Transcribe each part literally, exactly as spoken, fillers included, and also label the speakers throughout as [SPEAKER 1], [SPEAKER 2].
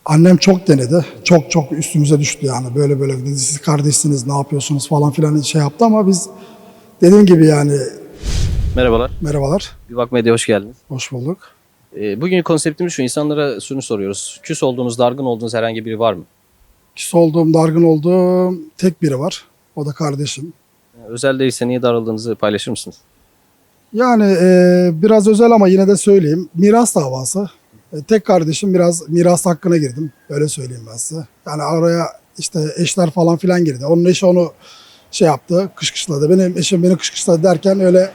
[SPEAKER 1] Annem çok denedi. Çok çok üstümüze düştü yani. Böyle böyle dedi, siz kardeşsiniz, ne yapıyorsunuz falan filan şey yaptı ama biz dediğim gibi yani.
[SPEAKER 2] Merhabalar.
[SPEAKER 1] Merhabalar,
[SPEAKER 2] Bir Bak Medya hoş geldiniz.
[SPEAKER 1] hoş bulduk.
[SPEAKER 2] Ee, bugün konseptimiz şu, insanlara şunu soruyoruz. Küs olduğunuz, dargın olduğunuz herhangi biri var mı?
[SPEAKER 1] Küs olduğum, dargın olduğum tek biri var. O da kardeşim.
[SPEAKER 2] Yani özel değilse niye darıldığınızı paylaşır mısınız?
[SPEAKER 1] Yani e, biraz özel ama yine de söyleyeyim. Miras davası. E, tek kardeşim, biraz miras hakkına girdim. Öyle söyleyeyim ben size. Yani araya işte eşler falan filan girdi. Onun eşi onu şey yaptı, kışkışladı. Benim eşim beni kışkışladı derken öyle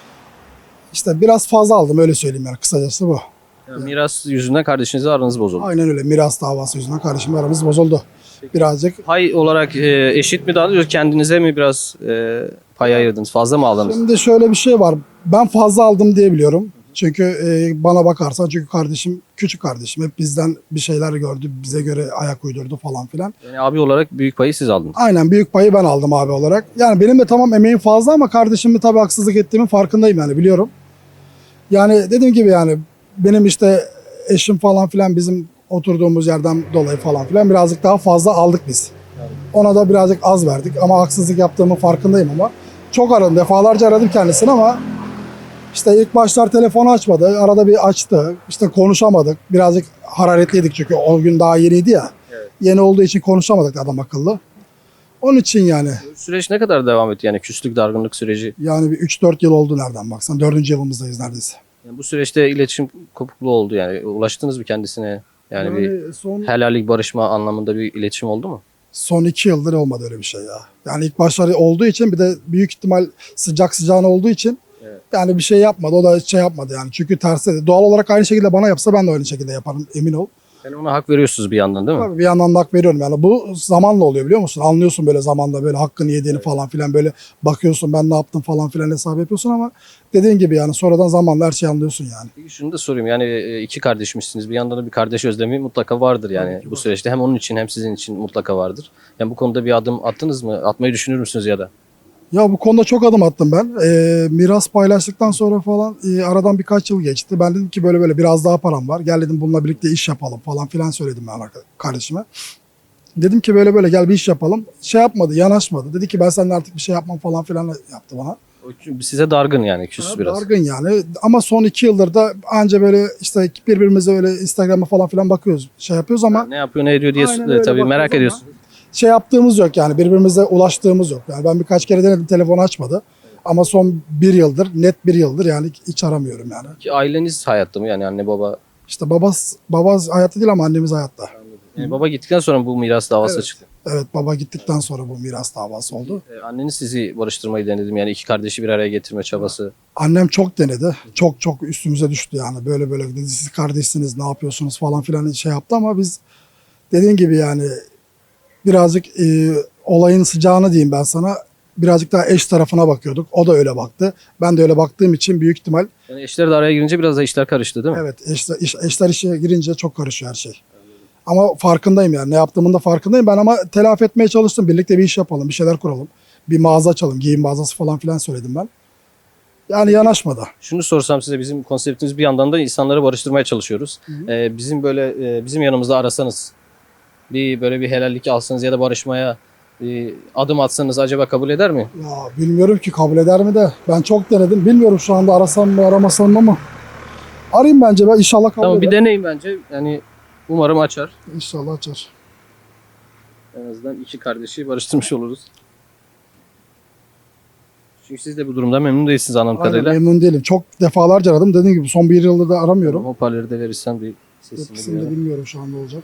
[SPEAKER 1] işte biraz fazla aldım, öyle söyleyeyim yani, kısacası bu.
[SPEAKER 2] Yani miras yüzünden kardeşinizle aranız bozuldu.
[SPEAKER 1] Aynen öyle, miras davası yüzünden kardeşimle aramız bozuldu. Birazcık.
[SPEAKER 2] Pay olarak e, eşit mi dağılıyor? Kendinize mi biraz e, pay ayırdınız? Fazla mı aldınız?
[SPEAKER 1] Şimdi şöyle bir şey var. Ben fazla aldım diye biliyorum. Çünkü e, bana bakarsan, çünkü kardeşim küçük kardeşim. Hep bizden bir şeyler gördü. Bize göre ayak uydurdu falan filan.
[SPEAKER 2] Yani abi olarak büyük payı siz aldınız.
[SPEAKER 1] Aynen, büyük payı ben aldım abi olarak. Yani benim de tamam emeğim fazla ama kardeşimi tabii haksızlık ettiğimin farkındayım yani, biliyorum. Yani dediğim gibi yani benim işte eşim falan filan, bizim oturduğumuz yerden dolayı falan filan birazcık daha fazla aldık biz. Ona da birazcık az verdik ama haksızlık yaptığımın farkındayım ama. Çok aradım, defalarca aradım kendisini ama işte ilk başlar telefonu açmadı. Arada bir açtı. İşte konuşamadık. Birazcık hararetliydik çünkü o gün daha yeniydi ya.
[SPEAKER 2] Evet.
[SPEAKER 1] Yeni olduğu için konuşamadık adam akıllı. Onun için yani.
[SPEAKER 2] Süreç ne kadar devam etti yani küslük, dargınlık süreci?
[SPEAKER 1] Yani bir üç dört yıl oldu nereden baksan. dördüncü yılımızdayız neredeyse.
[SPEAKER 2] Yani bu süreçte iletişim kopukluğu oldu yani. Ulaştınız mı kendisine? Yani, bir
[SPEAKER 1] son,
[SPEAKER 2] helallik, barışma anlamında bir iletişim oldu mu?
[SPEAKER 1] son iki yıldır olmadı öyle bir şey ya. Yani ilk başları olduğu için, bir de büyük ihtimal sıcak sıcağına olduğu için
[SPEAKER 2] Evet.
[SPEAKER 1] yani bir şey yapmadı. O da şey yapmadı yani. Çünkü tersi, doğal olarak aynı şekilde bana yapsa ben de aynı şekilde yaparım, emin ol.
[SPEAKER 2] Yani ona hak veriyorsunuz bir yandan değil mi?
[SPEAKER 1] Tabii bir yandan da hak veriyorum yani. Bu zamanla oluyor, biliyor musun? Anlıyorsun böyle zamanda, böyle hakkını yediğini
[SPEAKER 2] Evet.
[SPEAKER 1] falan filan, böyle bakıyorsun ben ne yaptım falan filan hesap yapıyorsun ama dediğin gibi yani sonradan zamanla her şeyi anlıyorsun yani.
[SPEAKER 2] Peki şunu da sorayım, yani e, iki kardeşmişsiniz, bir yandan da bir kardeş özlemi mutlaka vardır yani
[SPEAKER 1] Tabii ki
[SPEAKER 2] bu
[SPEAKER 1] var.
[SPEAKER 2] süreçte, hem onun için hem sizin için mutlaka vardır. Yani bu konuda bir adım attınız mı? Atmayı düşünür müsünüz ya da?
[SPEAKER 1] Ya bu konuda çok adım attım ben. Ee, miras paylaştıktan sonra falan e, aradan birkaç yıl geçti. Ben dedim ki böyle böyle biraz daha param var. Gel dedim, bununla birlikte iş yapalım falan filan söyledim ben arka- kardeşime. Dedim ki böyle böyle gel bir iş yapalım. Şey yapmadı, yanaşmadı. Dedi ki ben seninle artık bir şey yapmam falan filan yaptı bana.
[SPEAKER 2] O çünkü size dargın yani, küs
[SPEAKER 1] Ya,
[SPEAKER 2] biraz.
[SPEAKER 1] dargın yani, ama son iki yıldır da anca böyle işte birbirimize öyle Instagram'a falan filan bakıyoruz, şey yapıyoruz ama
[SPEAKER 2] Ne yapıyor ne ediyor diye
[SPEAKER 1] Aynen
[SPEAKER 2] e,
[SPEAKER 1] öyle
[SPEAKER 2] tabii merak
[SPEAKER 1] bakıyoruz
[SPEAKER 2] ediyorsun.
[SPEAKER 1] şey yaptığımız yok yani, birbirimize ulaştığımız yok. Yani ben birkaç kere denedim, telefonu açmadı. Ama son bir yıldır, net bir yıldır yani hiç aramıyorum yani.
[SPEAKER 2] Ki aileniz hayatta mı, yani anne baba?
[SPEAKER 1] İşte babas, baba hayatta değil ama annemiz hayatta.
[SPEAKER 2] Yani baba gittikten sonra bu miras davası
[SPEAKER 1] Evet.
[SPEAKER 2] çıktı.
[SPEAKER 1] Evet, baba gittikten sonra bu miras davası oldu.
[SPEAKER 2] E, anneniz sizi barıştırmayı denedim, yani iki kardeşi bir araya getirme çabası.
[SPEAKER 1] Annem çok denedi. Çok çok üstümüze düştü yani. Böyle böyle dedi, siz kardeşsiniz, ne yapıyorsunuz falan filan şey yaptı ama biz dediğin gibi yani birazcık e, olayın sıcağını diyeyim ben sana, birazcık daha eş tarafına bakıyorduk. O da öyle baktı. Ben de öyle baktığım için büyük ihtimal
[SPEAKER 2] Yani eşler de araya girince biraz da işler karıştı değil mi?
[SPEAKER 1] evet, eşler, iş- eşler işe girince çok karışıyor her şey. Ama farkındayım yani, ne yaptığımın da farkındayım ben, ama telafi etmeye çalıştım. Birlikte bir iş yapalım, bir şeyler kuralım. Bir mağaza açalım, giyim mağazası falan filan söyledim ben. Yani yanaşmadı.
[SPEAKER 2] Şunu sorsam size, bizim konseptimiz bir yandan da insanları barıştırmaya çalışıyoruz. Ee, bizim böyle e, bizim yanımızda arasanız, bir böyle bir helallik alsanız ya da barışmaya bir adım atsanız acaba kabul eder mi?
[SPEAKER 1] Ya bilmiyorum ki kabul eder mi de. Ben çok denedim. Bilmiyorum şu anda arasam mı aramasam mı ama. Arayayım bence, ben inşallah kabul
[SPEAKER 2] Tamam, bir
[SPEAKER 1] eder.
[SPEAKER 2] deneyin bence. Yani umarım açar.
[SPEAKER 1] İnşallah açar.
[SPEAKER 2] En azından iki kardeşi barıştırmış oluruz. Çünkü siz de bu durumda memnun değilsiniz anladığım
[SPEAKER 1] Aynen,
[SPEAKER 2] kadarıyla.
[SPEAKER 1] memnun değilim. Çok defalarca aradım. Dediğim gibi son bir yılda da aramıyorum.
[SPEAKER 2] Hoparlörü de verirsen bir sesini
[SPEAKER 1] Hepsini de
[SPEAKER 2] duyalım.
[SPEAKER 1] bilmiyorum şu anda olacak.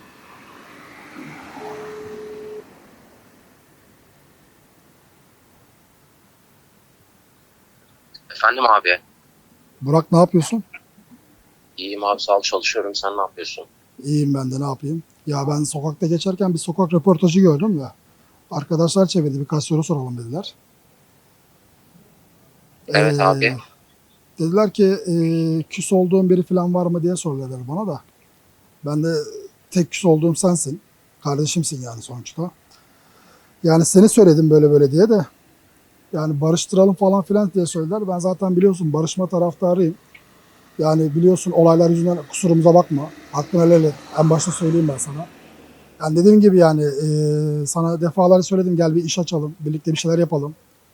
[SPEAKER 3] Efendim abi.
[SPEAKER 1] Burak, ne yapıyorsun?
[SPEAKER 3] İyiyim abi, sağ ol, çalışıyorum. Sen ne yapıyorsun?
[SPEAKER 1] İyiyim ben de, ne yapayım? Ya ben sokakta geçerken bir sokak röportajı gördüm de. Arkadaşlar çevirdi, birkaç soru soralım dediler.
[SPEAKER 3] Evet abi.
[SPEAKER 1] Dediler ki e, küs olduğun biri falan var mı diye soruyorlar bana da. Ben de tek küs olduğum sensin. Kardeşimsin yani sonuçta. Yani seni söyledim böyle böyle diye de. Yani barıştıralım falan filan diye söylediler. Ben zaten biliyorsun barışma taraftarıyım. Yani biliyorsun olaylar yüzünden kusurumuza bakma. Hakkını helal et. En başta söyleyeyim ben sana. Yani dediğim gibi yani e, sana defalarca söyledim, gel bir iş açalım. Birlikte bir şeyler yapalım.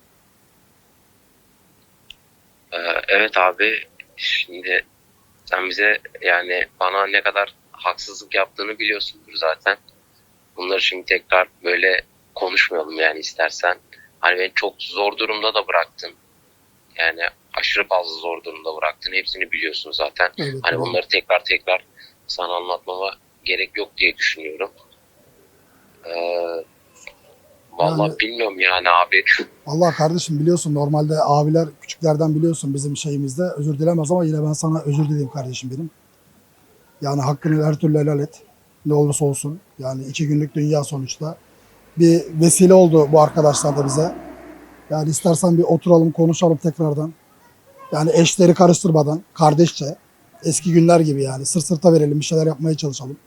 [SPEAKER 3] Ee, evet abi, şimdi sen bize yani bana ne kadar haksızlık yaptığını biliyorsundur zaten. Bunları şimdi tekrar böyle konuşmayalım yani istersen. Hani beni çok zor durumda da bıraktın. Yani aşırı fazla zor durumda bıraktın. Hepsini biliyorsun zaten.
[SPEAKER 1] Evet,
[SPEAKER 3] Hani
[SPEAKER 1] evet.
[SPEAKER 3] bunları tekrar tekrar sana anlatmama gerek yok diye düşünüyorum. Ee, Vallahi
[SPEAKER 1] Yani-
[SPEAKER 3] bilmiyorum yani abi.
[SPEAKER 1] Allah kardeşim, biliyorsun normalde abiler küçüklerden biliyorsun bizim şeyimizde özür dilemez ama yine ben sana özür dileyim kardeşim benim. Yani hakkını her türlü helal et. Ne olursa olsun. Yani iki günlük dünya sonuçta. Bir vesile oldu bu arkadaşlar da bize. Yani istersen bir oturalım konuşalım tekrardan. Yani eşleri karıştırmadan kardeşçe eski günler gibi yani sırt sırta verelim, bir şeyler yapmaya çalışalım.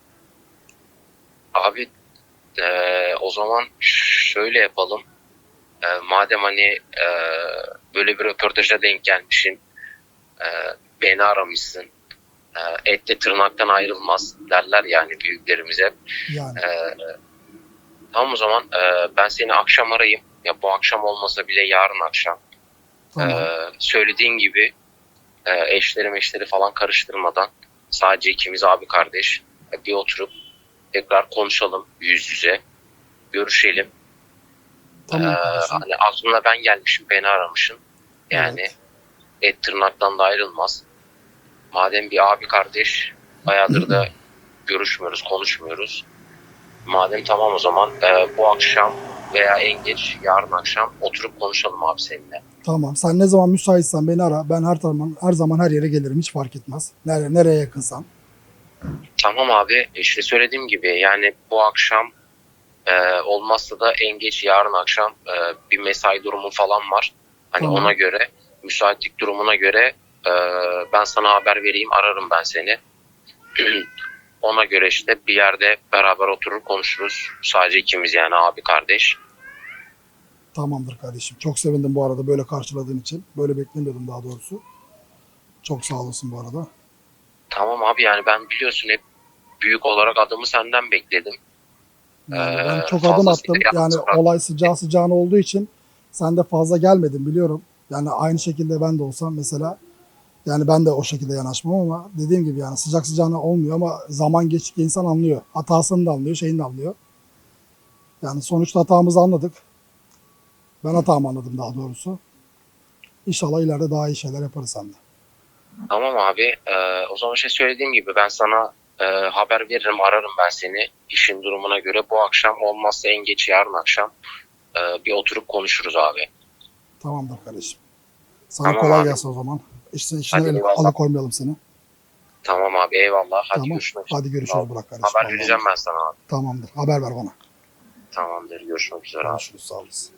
[SPEAKER 3] Abi eee, o zaman şöyle yapalım. Eee, madem hani eee, böyle bir röportaja denk gelmişsin, eee, beni aramışsın. Eee et de tırnaktan ayrılmaz derler yani büyüklerimiz hep.
[SPEAKER 1] Yani
[SPEAKER 3] Eee, tamam o zaman eee, ben seni akşam arayayım. Ya bu akşam olmasa bile yarın akşam.
[SPEAKER 1] tamam.
[SPEAKER 3] Eee, söylediğin gibi eee, eşleri meşleri falan karıştırmadan sadece ikimiz abi kardeş e, bir oturup tekrar konuşalım yüz yüze. Görüşelim.
[SPEAKER 1] Tamam
[SPEAKER 3] Ee,
[SPEAKER 1] kardeşim.
[SPEAKER 3] hani aklına ben gelmişim, beni aramışsın. Yani
[SPEAKER 1] Evet.
[SPEAKER 3] et tırnaktan da ayrılmaz. Madem bir abi kardeş, bayağıdır da görüşmüyoruz, konuşmuyoruz. Madem tamam o zaman e, bu akşam veya en geç yarın akşam oturup konuşalım abi seninle.
[SPEAKER 1] Tamam. Sen ne zaman müsaitsen beni ara. Ben her zaman her zaman her yere gelirim. Hiç fark etmez. Nereye, nereye yakınsan.
[SPEAKER 3] Tamam abi, işte söylediğim gibi yani bu akşam e, olmazsa da en geç yarın akşam e, bir mesai durumu falan var. Hani
[SPEAKER 1] Tamam.
[SPEAKER 3] ona göre, müsaitlik durumuna göre e, ben sana haber vereyim, ararım ben seni. Ona göre işte bir yerde beraber oturur konuşuruz. Sadece ikimiz yani abi kardeş.
[SPEAKER 1] Tamamdır kardeşim. Çok sevindim bu arada böyle karşıladığın için. Böyle beklemiyordum daha doğrusu. Çok sağ olasın bu arada.
[SPEAKER 3] Tamam abi, yani ben biliyorsun hep büyük olarak adımı senden bekledim.
[SPEAKER 1] Yani
[SPEAKER 3] Ee,
[SPEAKER 1] ben çok adım
[SPEAKER 3] fazlasıyla
[SPEAKER 1] attım.
[SPEAKER 3] yalnız
[SPEAKER 1] Yani
[SPEAKER 3] bırak-
[SPEAKER 1] olay sıcağı sıcağına olduğu için sen de fazla gelmedin biliyorum. Yani aynı şekilde ben de olsam mesela, yani ben de o şekilde yanaşmam ama dediğim gibi yani sıcak sıcağına olmuyor ama zaman geçtikçe insan anlıyor. Hatasını da anlıyor, şeyini de anlıyor. Yani sonuçta hatamızı anladık. Ben hatamı anladım daha doğrusu. İnşallah ileride daha iyi şeyler yaparız seninle.
[SPEAKER 3] Tamam abi. Ee, o zaman şey söylediğim gibi ben sana e, haber veririm, ararım ben seni. İşin durumuna göre bu akşam olmazsa en geç yarın akşam e, bir oturup konuşuruz abi.
[SPEAKER 1] Tamamdır kardeşim. Sana
[SPEAKER 3] Tamam
[SPEAKER 1] kolay
[SPEAKER 3] abi.
[SPEAKER 1] gelsin o zaman. İşte işine
[SPEAKER 3] Hadi
[SPEAKER 1] el-
[SPEAKER 3] eyvallah.
[SPEAKER 1] alıkoymayalım seni.
[SPEAKER 3] Tamam abi, eyvallah. Hadi
[SPEAKER 1] Tamam.
[SPEAKER 3] görüşmek üzere.
[SPEAKER 1] Hadi görüşürüz
[SPEAKER 3] Tamam.
[SPEAKER 1] Burak kardeşim.
[SPEAKER 3] Haber
[SPEAKER 1] Allah'a
[SPEAKER 3] vereceğim ben sana abi.
[SPEAKER 1] Tamamdır. Haber ver bana.
[SPEAKER 3] Tamamdır. Görüşmek üzere abi.
[SPEAKER 1] Görüşürüz. Sağ olasın.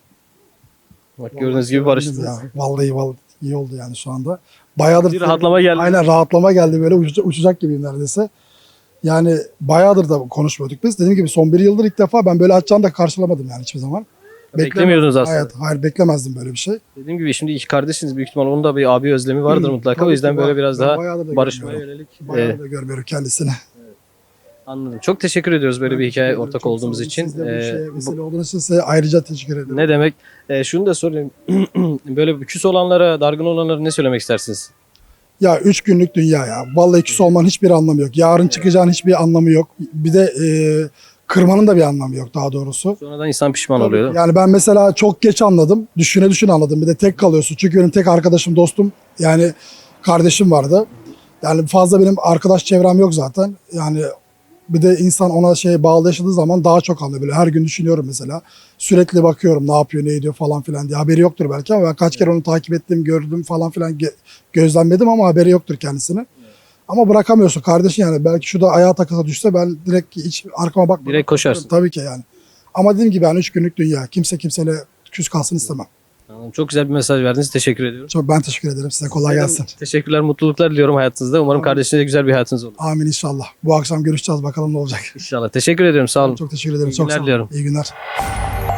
[SPEAKER 2] Bak gördüğünüz gibi barıştınız.
[SPEAKER 1] Ya, vallahi vallahi iyi oldu yani şu anda. Bayağıdır
[SPEAKER 2] Bir rahatlama geldi.
[SPEAKER 1] Aynen, rahatlama geldi, böyle uçacak, uçacak gibiyim neredeyse. Yani bayağıdır da konuşmuyorduk biz. Dediğim gibi son bir yıldır ilk defa ben böyle açacağını da karşılamadım yani hiçbir zaman.
[SPEAKER 2] Beklemiyordunuz aslında.
[SPEAKER 1] Hayır, hayır beklemezdim böyle bir şey.
[SPEAKER 2] Dediğim gibi şimdi iki kardeşsiniz. Büyük ihtimal onun da bir abi özlemi vardır mutlaka.
[SPEAKER 1] Tabii
[SPEAKER 2] O yüzden
[SPEAKER 1] ki
[SPEAKER 2] böyle
[SPEAKER 1] var.
[SPEAKER 2] biraz
[SPEAKER 1] Ben
[SPEAKER 2] daha
[SPEAKER 1] bayağıdır da
[SPEAKER 2] barışmaya
[SPEAKER 1] görmüyorum.
[SPEAKER 2] yönelik.
[SPEAKER 1] Bayağı
[SPEAKER 2] Ee,
[SPEAKER 1] da görmüyorum kendisini.
[SPEAKER 2] anladım. Çok teşekkür ediyoruz böyle
[SPEAKER 1] Ben
[SPEAKER 2] bir
[SPEAKER 1] teşekkür
[SPEAKER 2] hikaye
[SPEAKER 1] ederim.
[SPEAKER 2] ortak
[SPEAKER 1] Çok
[SPEAKER 2] olduğumuz
[SPEAKER 1] sağ olun.
[SPEAKER 2] için.
[SPEAKER 1] Siz de bu
[SPEAKER 2] Ee,
[SPEAKER 1] şeye
[SPEAKER 2] bu-
[SPEAKER 1] vesile olduğunuz için size ayrıca teşekkür ederim.
[SPEAKER 2] Ne demek? Ee, şunu da sorayım. Böyle küs olanlara, dargın olanlara ne söylemek istersiniz?
[SPEAKER 1] Ya üç günlük dünya ya. Vallahi küs olmanın hiçbir anlamı yok. Yarın çıkacağın hiçbir anlamı yok. Bir de e, kırmanın da bir anlamı yok daha doğrusu.
[SPEAKER 2] Sonradan insan pişman
[SPEAKER 1] Tabii.
[SPEAKER 2] oluyor.
[SPEAKER 1] Yani ben mesela çok geç anladım. Düşüne düşüne anladım. Bir de tek kalıyorsun. Çünkü benim tek arkadaşım, dostum, yani kardeşim vardı. Yani fazla benim arkadaş çevrem yok zaten. Yani bir de insan ona şey bağlı yaşadığı zaman daha çok anlıyor. Böyle her gün düşünüyorum mesela. Sürekli bakıyorum ne yapıyor, ne ediyor falan filan diye. Haberi yoktur belki ama ben kaç kere onu takip ettim, gördüm falan filan, ge- gözlemledim ama haberi yoktur kendisine. Ama bırakamıyorsun kardeşin yani. Belki şu da ayağa takısa düşse ben direkt hiç arkama bakmadan.
[SPEAKER 2] Direkt koşarsın.
[SPEAKER 1] Tabii ki yani. Ama dediğim gibi yani üç günlük dünya. Kimse kimseyle küs kalsın istemem.
[SPEAKER 2] Anladım. Çok güzel bir mesaj verdiniz. Teşekkür ediyorum.
[SPEAKER 1] Çok ben teşekkür ederim. Size kolay gelsin.
[SPEAKER 2] Teşekkürler, mutluluklar diliyorum hayatınızda. Umarım
[SPEAKER 1] Tamam.
[SPEAKER 2] kardeşinize güzel bir hayatınız olur.
[SPEAKER 1] Amin inşallah. Bu akşam görüşeceğiz. Bakalım ne olacak.
[SPEAKER 2] İnşallah. Teşekkür ediyorum. Sağ olun.
[SPEAKER 1] Çok teşekkür ederim.
[SPEAKER 2] İyi
[SPEAKER 1] Çok
[SPEAKER 2] günler
[SPEAKER 1] sağ olun.
[SPEAKER 2] diliyorum.
[SPEAKER 1] İyi günler.